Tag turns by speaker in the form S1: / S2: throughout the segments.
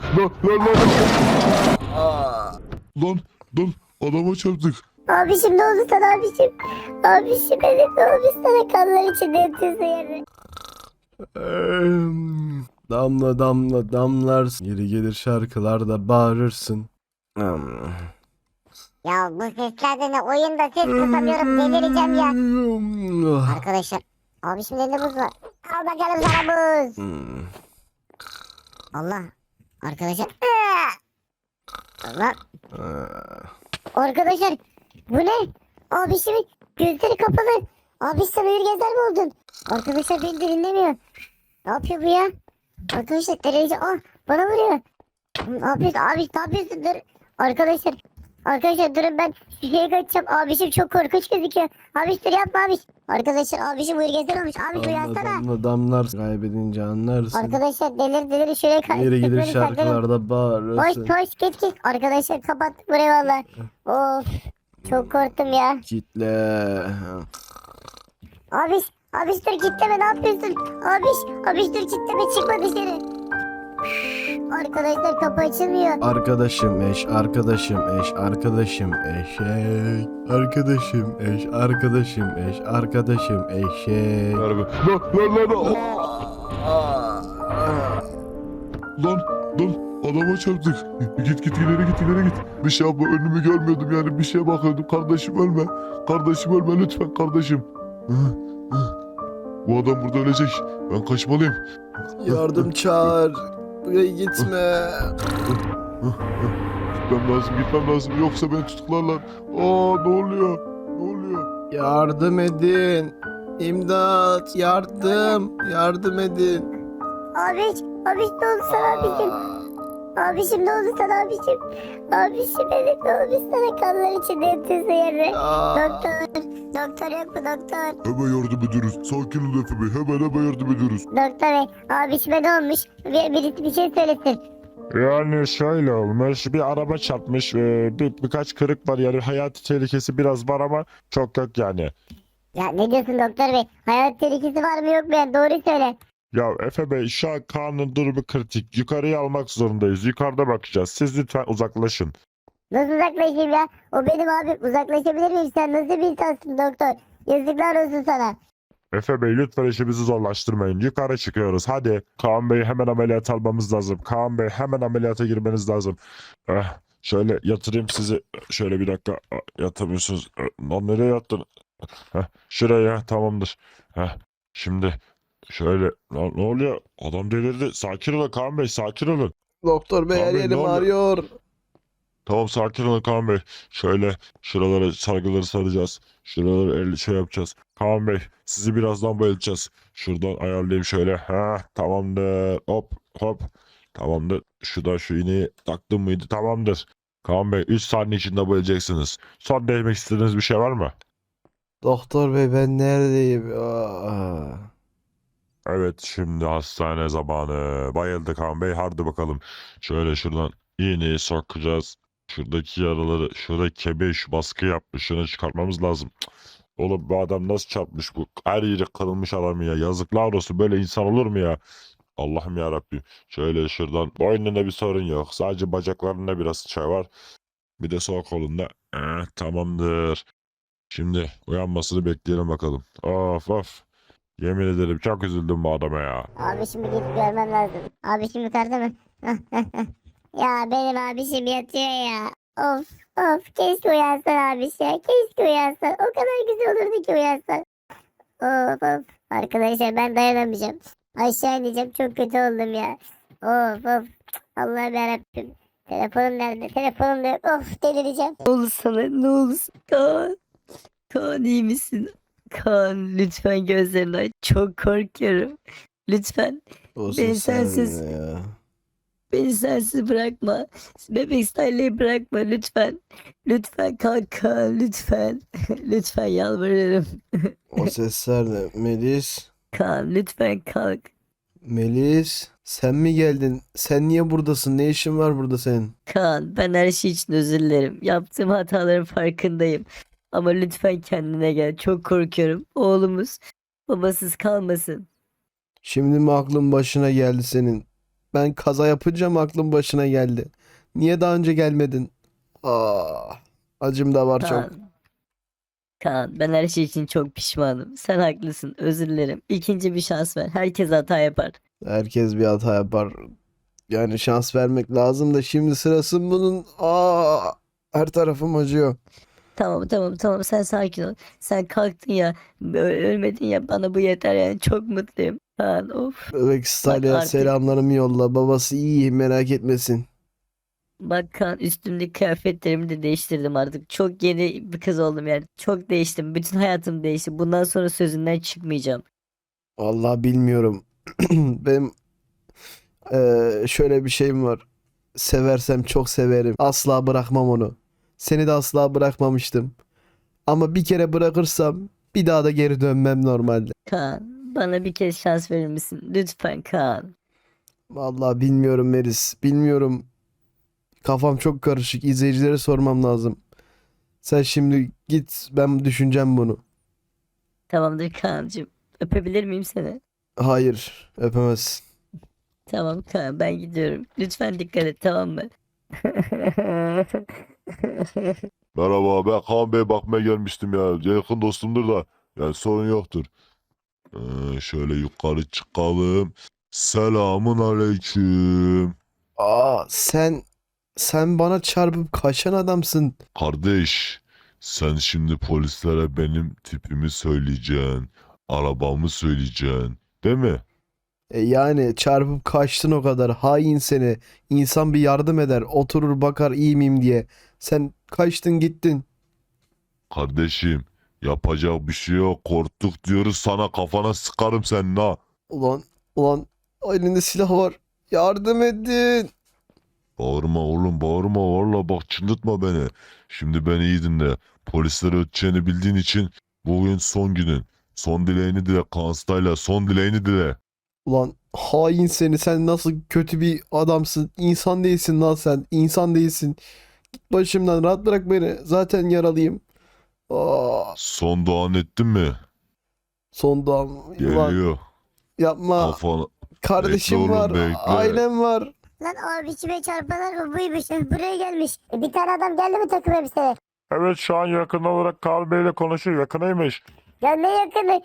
S1: Lan adama çarptık.
S2: Abişim ne oldu sana abişim? Abişim benim ne olmuş sana, kanlar içinde yatıyorsun yerde.
S3: Damla damla damlarsın. Yeri gelir şarkılarda bağırırsın.
S2: Ya bu sesler de ne, oyunda ses kısamıyorum, delireceğim ya. Arkadaşlar abişim elinde buz var. Al bakalım sana buz. Allah. Arkadaşlar. Allah. Arkadaşlar bu ne? Abişimin gözleri kapalı. Abiş sen uyur gezer mi oldun? Arkadaşlar beni de dinlemiyor. Ne yapıyor bu ya? Arkadaşlar derece bana vuruyor. Abi ne yapıyorsun? Dur. Arkadaşlar durun, ben şuraya kaçacağım. Abişim çok korkunç gözüküyor. Abiş dur, yapma abiş. Arkadaşlar abişim uyur gezer olmuş. Abiş
S3: Damla
S2: uyansana.
S3: damla damlarsın. Kaybedince anlarsın.
S2: Arkadaşlar delir şuraya
S3: Yeri gelir
S2: saklanın.
S3: şarkılarda bağırırsın.
S2: Hoş git. Arkadaşlar kapattık burayı valla. Of, çok korktum ya.
S3: Kitle.
S2: Abiş dur, kitleme, ne yapıyorsun? Abiş dur, kitleme, çıkma dışarı. Arkadaşlar kapı açılmıyor.
S3: Arkadaşım eş, arkadaşım eş, arkadaşım eşek. Arkadaşım eş, arkadaşım eş, arkadaşım eşek.
S1: Lan adama çarptık. Git ileri git. Bir şey yapma, önümü görmüyordum yani, bir şeye bakıyordum. Kardeşim ölme lütfen kardeşim. Bu adam burada ölecek. Ben kaçmalıyım.
S3: Yardım çağır. Buraya gitme.
S1: Gitmem lazım yoksa beni tutuklarlar. Ne oluyor?
S3: Yardım edin. İmdat, yardım edin.
S2: Abiş ne oldu sana abicim? Abişim ne oldu sana abişim? Abişim benim ne olmuş sana, kanlar içinde yatıyorsun yerde. Doktor yok mu doktor?
S1: Hemen yardım ediyoruz. Sakin ol Efe Bey. Hemen yardım ediyoruz.
S2: Doktor bey, abişime ne olmuş? Birisi bir şey söylesin.
S4: Yani şöyle olmuş, bir araba çarpmış, birkaç kırık var, yani hayati tehlikesi biraz var ama çok yok yani.
S2: Ya ne diyorsun doktor bey? Hayat tehlikesi var mı yok mu? Yani doğru söyle.
S4: Ya Efe Bey, şu an Kaan'ın durumu kritik, yukarıya almak zorundayız, yukarıda bakacağız, siz lütfen uzaklaşın.
S2: Nasıl uzaklaşayım ya? O benim abim. Uzaklaşabilir miyim? Sen nasıl bir insansın doktor? Yazıklar olsun sana.
S4: Efe Bey, lütfen işimizi zorlaştırmayın, yukarı çıkıyoruz, hadi. Kaan Bey, hemen ameliyat almamız lazım, Kaan Bey, hemen ameliyata girmeniz lazım. Şöyle yatırayım sizi, şöyle bir dakika, yatamıyorsunuz. Lan nereye yattın? Şuraya, tamamdır. Şimdi şöyle, lan ne oluyor? Adam delirdi. Sakin olun Kaan Bey, sakin olun.
S3: Doktor bey, her
S4: Abi, ne
S3: yerim
S4: oldu?
S3: ağrıyor.
S4: Tamam, sakin olun Kaan Bey. Şöyle şuralara sargıları saracağız. Şuraları yapacağız. Kaan Bey, sizi birazdan bayılacağız. Şuradan ayarlayayım şöyle. Tamamdır. Hop. Tamamdır. Şu iğneyi taktım mıydı? Tamamdır. Kaan Bey, 3 saniye içinde bayılacaksınız. Son değinmek istediğiniz bir şey var mı?
S3: Doktor bey, ben neredeyim?
S4: Evet, şimdi hastane zamanı. Bayıldı Kaan Bey. Hadi bakalım. Şöyle şuradan iğneyi sokacağız. Şuradaki yaraları, şuradaki kemiğe şu baskı yapmış. Şunu çıkartmamız lazım. Cık. Oğlum, bu adam nasıl çarpmış bu? Her yeri kırılmış adam ya. Yazıklar olsun, böyle insan olur mu ya? Allah'ım ya Rabbim. Şöyle şuradan, boynunda bir sorun yok. Sadece bacaklarında biraz şey var. Bir de sol kolunda. Tamamdır. Şimdi uyanmasını bekleyelim bakalım. Of. Yemin ederim çok üzüldüm bu adama ya.
S2: Abişimi gidip görmem lazım. Abişim yukarıda mı? Ya benim abişim yatıyor ya. Of, keşke uyansan abiş ya. Keşke uyansan. O kadar güzel olurdu ki uyansan. Of. Arkadaşlar ben dayanamayacağım. Aşağı ineceğim, çok kötü oldum ya. Of. Allah'ım yarabbim. Telefonum nerede? Telefonum da yok. Of, delireceğim.
S5: Ne olur sana, ne olursun Kaan. Kaan, iyi misin? Kaan, lütfen gözlerini aç. Çok korkuyorum. Lütfen
S3: O
S5: Beni
S3: ses
S5: sensiz-
S3: ne ya?
S5: beni sensiz bırakma. Bebek Style'ı bırakma lütfen. Lütfen kalk Kaan, lütfen. Lütfen yalvarırım.
S3: O sesler ne? Melis?
S5: Kaan, lütfen kalk.
S3: Melis? Sen mi geldin? Sen niye buradasın? Ne işin var burada senin?
S5: Kaan, ben her şey için özür dilerim. Yaptığım hataların farkındayım. Ama lütfen kendine gel. Çok korkuyorum. Oğlumuz babasız kalmasın.
S3: Şimdi mi aklın başına geldi senin? Ben kaza yapınca mı aklım başına geldi? Niye daha önce gelmedin? Acım da var çok.
S5: Kaan. Kaan, ben her şey için çok pişmanım. Sen haklısın, özür dilerim. İkinci bir şans ver. Herkes hata yapar.
S3: Herkes bir hata yapar. Yani şans vermek lazım da şimdi sırası mı bunun? Her tarafım acıyor.
S5: Tamam, sen sakin ol. Sen kalktın ya, ölmedin ya, bana bu yeter yani, çok mutluyum. Kaan, of.
S3: Bebek Stalya'ya
S5: artık-
S3: selamlarımı yolla. Babası iyi, merak etmesin.
S5: Bak Kaan, üstümdeki kıyafetlerimi de değiştirdim artık. Çok yeni bir kız oldum yani. Çok değiştim. Bütün hayatım değişti. Bundan sonra sözünden çıkmayacağım.
S3: Vallahi bilmiyorum. Benim şöyle bir şeyim var. Seversem çok severim. Asla bırakmam onu. Seni de asla bırakmamıştım. Ama bir kere bırakırsam bir daha da geri dönmem normalde.
S5: Kaan, bana bir kez şans verir misin? Lütfen Kaan.
S3: Vallahi bilmiyorum Melis. Bilmiyorum. Kafam çok karışık. İzleyicilere sormam lazım. Sen şimdi git, ben düşüneceğim bunu.
S5: Tamamdır Kaan'cığım. Öpebilir miyim seni?
S3: Hayır, öpemezsin.
S5: Tamam Kaan, ben gidiyorum. Lütfen dikkat et, tamam mı?
S1: Merhaba, ben Kaan Bey bakmaya gelmiştim ya. Yakın dostumdur da. Yani sorun yoktur. Şöyle yukarı çıkalım. Selamun aleyküm.
S3: Sen bana çarpıp kaçan adamsın.
S1: Kardeş, sen şimdi polislere benim tipimi söyleyeceksin. Arabamı söyleyeceksin. Değil mi?
S3: Yani çarpıp kaçtın o kadar. Hain seni. İnsan bir yardım eder. Oturur bakar iyi miyim diye. Sen kaçtın gittin.
S1: Kardeşim, yapacak bir şey yok. Korktuk diyoruz sana, kafana sıkarım senin ha.
S3: Ulan elinde silah var. Yardım edin.
S1: Bağırma oğlum, bağırma, valla bak çıldırtma beni. Şimdi beni iyi dinle. Polislere öteceğini bildiğin için bugün son günün. Son dileğini dile Kanstayla, son dileğini dile.
S3: Ulan hain seni. Sen nasıl kötü bir adamsın. İnsan değilsin lan sen. İnsan değilsin. Git başımdan, rahat bırak beni. Zaten yaralıyım.
S1: Son duan ettin mi?
S3: Son dam. Ulan
S1: Geliyor.
S3: yapma.
S1: Kafana.
S3: Kardeşim
S1: Bekle oğlum,
S3: var.
S1: bekle.
S3: Ailem var.
S2: Lan abisime çarpanlar mı buymuş? Buraya gelmiş. Bir tane adam geldi mi takım elbiseli?
S4: Evet, şu an yakın olarak Kaan Bey ile konuşuyor. Yakınıymış.
S2: Ya ne yakını?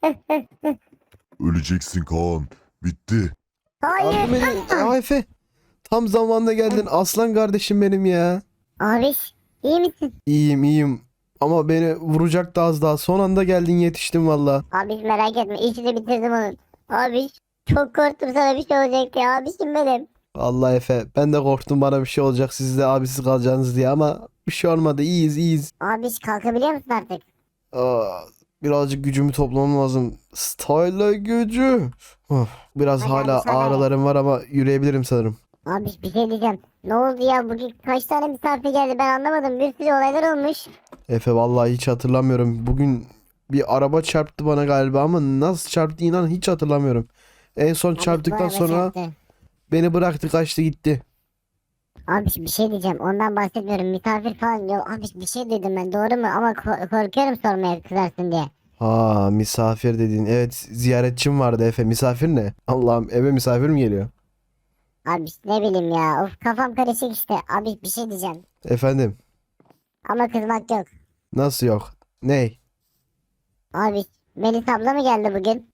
S1: Öleceksin Kaan. Bitti.
S3: Yardım
S2: Hayır.
S3: edin. Efe. Tam zamanında geldin. Aslan kardeşim benim ya.
S2: Abiş iyi misin?
S3: İyiyim. Ama beni vuracaktı az daha. Son anda geldin, yetiştim valla.
S2: Abiş merak etme. İşini bitirdim onun. Abiş çok korktum sana bir şey olacak diye. Abişim benim.
S3: Vallahi Efe, ben de korktum bana bir şey olacak, siz de abisiz kalacaksınız diye, ama bir şey olmadı. İyiyiz.
S2: Abiş kalkabiliyor musun artık?
S3: Aa, birazcık gücümü toplamam lazım. Style gücü. Biraz
S2: Hadi
S3: hala
S2: abi, söyle.
S3: ağrılarım var ama yürüyebilirim sanırım.
S2: Abiş bir şey diyeceğim. Ne oldu ya bugün kaç tane misafir geldi ben anlamadım. Bir sürü olaylar olmuş.
S3: Efe, vallahi hiç hatırlamıyorum. Bugün bir araba çarptı bana galiba ama nasıl çarptı inan hiç hatırlamıyorum. En son
S2: Abiş, bu
S3: çarptıktan
S2: araba
S3: sonra
S2: çarptı.
S3: beni bıraktı, kaçtı gitti.
S2: Abiş bir şey diyeceğim ondan bahsetmiyorum. Misafir falan yok. Abiş bir şey dedim ben doğru mu? Ama korkuyorum sormaya kızarsın diye.
S3: Ha, misafir dedin. Evet, ziyaretçim vardı Efe. Misafir ne? Allah'ım, eve misafir mi geliyor?
S2: Abiş ne bileyim ya. Of kafam karışık işte. Abiş bir şey diyeceğim.
S3: Efendim,
S2: Ama kızmak yok.
S3: nasıl yok? Ney?
S2: Abiş Melis abla mı geldi bugün?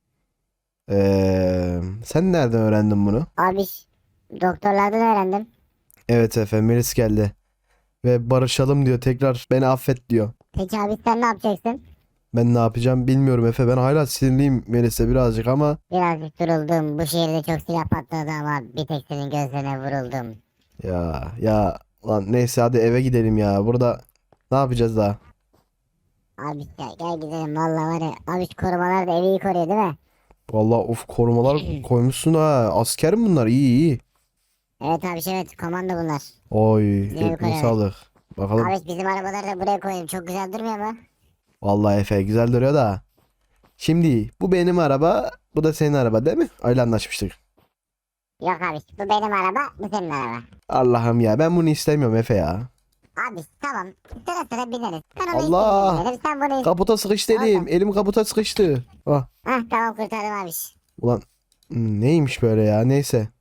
S3: Sen nereden öğrendin bunu?
S2: Abiş doktorlardan öğrendim.
S3: Evet Efe, Melis geldi. Ve barışalım diyor, tekrar beni affet diyor.
S2: Peki abi sen ne yapacaksın?
S3: Ben ne yapacağım bilmiyorum Efe. Ben hala sinirliyim Melis'e birazcık ama
S2: Birazcık duruldum. Bu şehirde çok silah patladı ama bir tek senin gözlerine vuruldum.
S3: ya lan neyse, hadi eve gidelim ya. Burada ne yapacağız daha?
S2: Abi ya gel gidelim valla var ya. Abi şu korumalar da evi iyi koruyor değil mi?
S3: Vallahi of, korumalar koymuşsun ha. Asker mi bunlar? İyi.
S2: Evet abi evet komando bunlar.
S3: Oy,
S2: Güzel
S3: eline
S2: karar.
S3: sağlık. Bakalım.
S2: Abi bizim arabaları da buraya koyayım. Çok güzel durmuyor mu?
S3: Vallahi Efe, güzel duruyor da. Şimdi bu benim araba, bu da senin araba değil mi? Öyle anlaşmıştık.
S2: Yok abi bu benim araba bu senin araba.
S3: Allah'ım ya, ben bunu istemiyorum Efe ya.
S2: Abi tamam sıra sıra bineriz. Ben onu
S3: Allah!
S2: istediğimi binerim, sen bunu
S3: Kaputa sıkıştı elim.
S2: Orada.
S3: Elim kaputa sıkıştı. Ah,
S2: Hah tamam kurtardım abi.
S3: ulan neymiş böyle ya, neyse.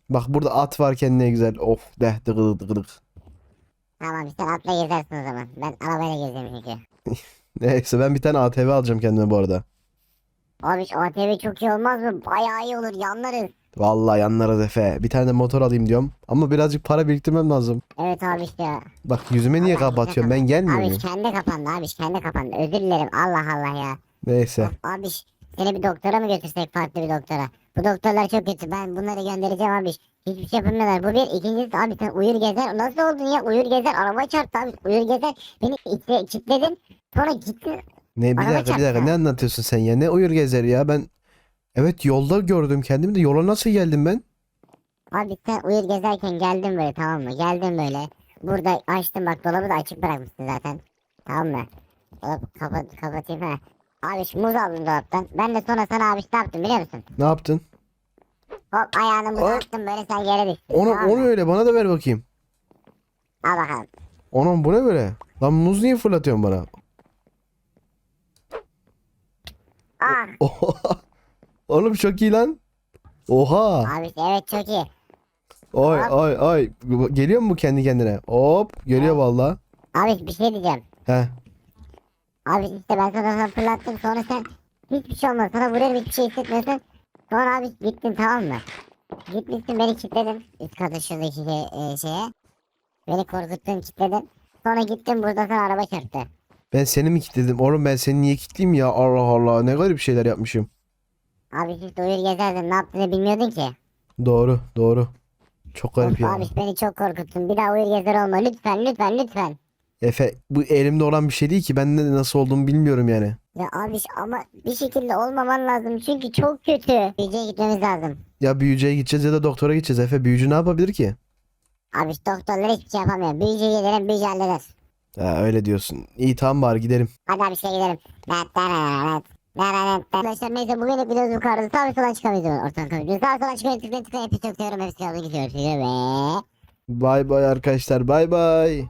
S3: Bak burada at varken ne güzel. Of de dıgıdık dıgıdık.
S2: Tamam sen atla gezersin o zaman. Ben arabayla gezeceğim çünkü.
S3: Neyse ben bir tane ATV alacağım kendime bu arada.
S2: Abi şu ATV çok iyi olmaz mı? Bayağı iyi olur yanlarız.
S3: Vallahi yanlarız Efe. Bir tane de motor alayım diyorum. Ama birazcık para biriktirmem lazım.
S2: Evet abi ya.
S3: Bak yüzüme niye kapatıyorsun? Ben gelmiyor
S2: Abi
S3: muyum?
S2: kendi kapandı abi kendi kapandı. Özür dilerim Allah Allah ya.
S3: Neyse.
S2: Of, abi seni bir doktora mı götürsek farklı bir doktora? Bu doktorlar çok kötü. Ben bunları göndereceğim abi. Hiçbir şey yapamıyorlar. Bu bir. İkincisi abi sen uyur gezer. Nasıl oldun ya? Uyur gezer. Araba çarptı abi. Uyur gezer. Beni içe kilitledin. Sonra gittin.
S3: Ne bir
S2: Araba
S3: dakika bir dakika
S2: çarptı.
S3: ne anlatıyorsun sen ya? Ne uyur gezer ya? Ben evet yolda gördüm kendimi de yola nasıl geldim ben?
S2: Abi sen uyur gezerken geldin böyle tamam mı? Geldin böyle. Burada açtım bak dolabı da açık bırakmışsın zaten. Tamam mı? Dolabı kapatayım ha. Abi şu muz aldım dolaptan. Ben de sonra sana abi ne yaptım biliyor musun?
S3: Ne yaptın?
S2: Hop ayağını muza
S3: Aa.
S2: attım böyle sen yere düştün.
S3: Onu
S2: tamam mı?
S3: onu öyle bana da ver bakayım.
S2: Al bakalım.
S3: Onun bu ne böyle? Lan muz niye fırlatıyorsun bana?
S2: Ah.
S3: Oha. Oğlum çok iyi lan. Oha.
S2: Abi evet çok iyi.
S3: Oy oy oy. Geliyor mu bu kendi kendine? Hop geliyor valla.
S2: Abi bir şey diyeceğim.
S3: He.
S2: Abi işte ben sana fırlattım sonra sen hiçbir şey olmaz. Sana vuruyorum hiçbir şey hissetmiyorsun. Sonra abi gittin tamam mı? Gitmişsin beni kilitledin. Üst katı şuradaki şeye. Beni korkuttun kilitledin. Sonra gittin burada sana araba çarptı.
S3: Ben seni mi kilitledim? Oğlum ben seni niye kilitleyeyim ya? Allah Allah ne garip şeyler yapmışım.
S2: Abi siz de uyur gezerdin ne yaptığını bilmiyordun ki.
S3: Doğru doğru. Çok garip
S2: Of,
S3: ya.
S2: abi beni çok korkuttun. Bir daha uyur gezer olma lütfen lütfen lütfen.
S3: Efe bu elimde olan bir şey değil ki. Ben de nasıl olduğumu bilmiyorum yani.
S2: Ya abi ama bir şekilde olmaman lazım çünkü çok kötü. Büyücüye gitmemiz lazım.
S3: Ya büyücüye gideceğiz ya da doktora gideceğiz Efe. Büyücü ne yapabilir ki?
S2: Abi doktorlar hiçbir şey yapamıyor. Büyücüye gidelim büyücü halleder.
S3: Ha, öyle diyorsun. İyi tamam bari gidelim.
S2: Hadi abi şey gidelim. Arkadaşlar neyse bugünlük videomuz bu kadar. Sağ ve sola çıkamayız. Ortadan kalıyoruz. Sağ ve sola çıkmayı tıklayın tıklayın. Hepsi çok seviyorum. Hepsi kaldı gidiyor. Ve...
S3: Bay bay arkadaşlar bay bay.